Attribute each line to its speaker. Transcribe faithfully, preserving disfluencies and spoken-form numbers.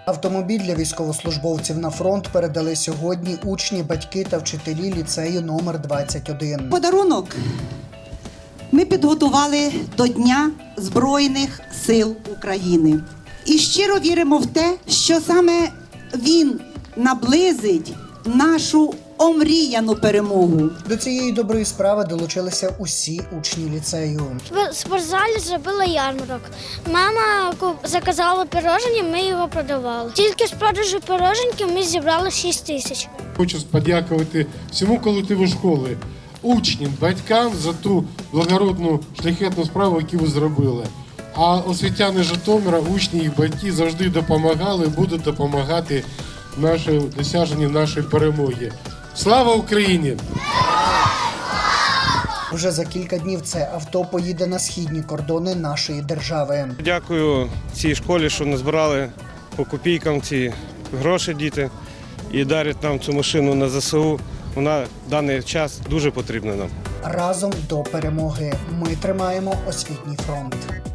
Speaker 1: Автомобіль для військовослужбовців на фронт передали сьогодні учні, батьки та вчителі ліцею номер двадцять один.
Speaker 2: Подарунок ми підготували до Дня Збройних сил України. І щиро віримо в те, що саме він наблизить нашу омріяну перемогу.
Speaker 1: До цієї доброї справи долучилися усі учні ліцею.
Speaker 3: В спортзалі зробила ярмарок. Мама заказала пирожені, ми його продавали. Тільки з продажу пироженьків ми зібрали шість тисяч.
Speaker 4: Хочу подякувати всьому колективу школи, учням, батькам за ту благородну шляхетну справу, яку ви зробили. А освітяни Житомира, учні і батьки завжди допомагали і будуть допомагати нашій досяженню нашої перемоги. Слава Україні!
Speaker 1: Вже за кілька днів це авто поїде на східні кордони нашої держави.
Speaker 5: Дякую цій школі, що назбирали по копійкам ці гроші діти і дарять нам цю машину на ЗСУ. Вона в даний час дуже потрібна нам.
Speaker 1: Разом до перемоги. Ми тримаємо освітній фронт.